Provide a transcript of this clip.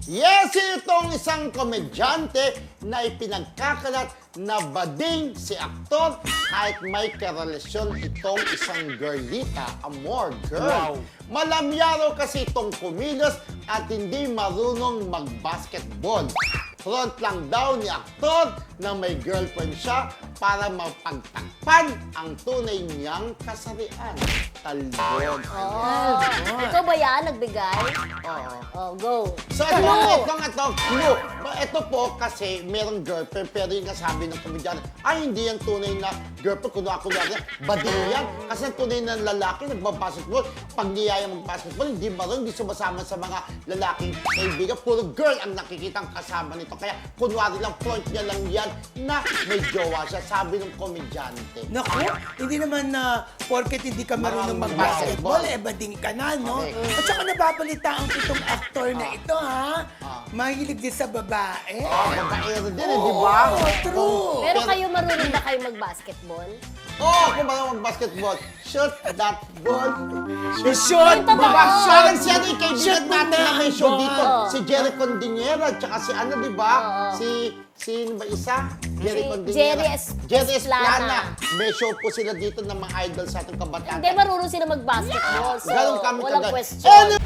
Yes, itong isang komedyante na ipinagkakalat na bading si aktor kahit may karelasyon itong isang girlita, amor girl. Wow. Malamyaro kasi itong kumilos at hindi marunong mag-basketball. Front lang daw ni aktor na may girlfriend siya para mapagtakpan ang tunay niyang kasarian. Talbog. Oh. Ikaw ba yan? Nagbigay? Oo. Oh, go. So, ito, clue. Ito po kasi merong girlfriend pero yung nasabi ng komedyante, ay hindi yan tunay na girlfriend, kunwari bading yan. Kasi ang tunay na lalaki, nagbabasketball, pag niyaya mag-basketball, hindi marunong, hindi sumasama sa mga lalaking kaibigan. Puro girl ang nakikitang kasama nito. Kaya kunwari lang, front niya lang yan na may jowa siya, sabi ng komedyante. Naku, hindi naman na porket hindi ka marunong mag-basketball, bading ka na, no? Okay. At saka nababalitaan ko itong aktor na ito, ha? Mahilig din sa babae. Babaero din, di ba? Oo, true. Pero kayo marunong ba kayo mag-basketball? Kung marunong mag-basketball, shoot that ball. Shoot! Ito ba? Parang si ano, yung kaibigan Shoot mo natin na may show na. dito. Oo. Si Jerry Condinera, tsaka si ano, di ba? Sino ba isa? Jerry Si Condinera. Jerry Esplana. May show po sila dito ng mga idol sa ating kabataan. Hindi marunong sila mag-basketball. So, Ganun kami walang kagad. question.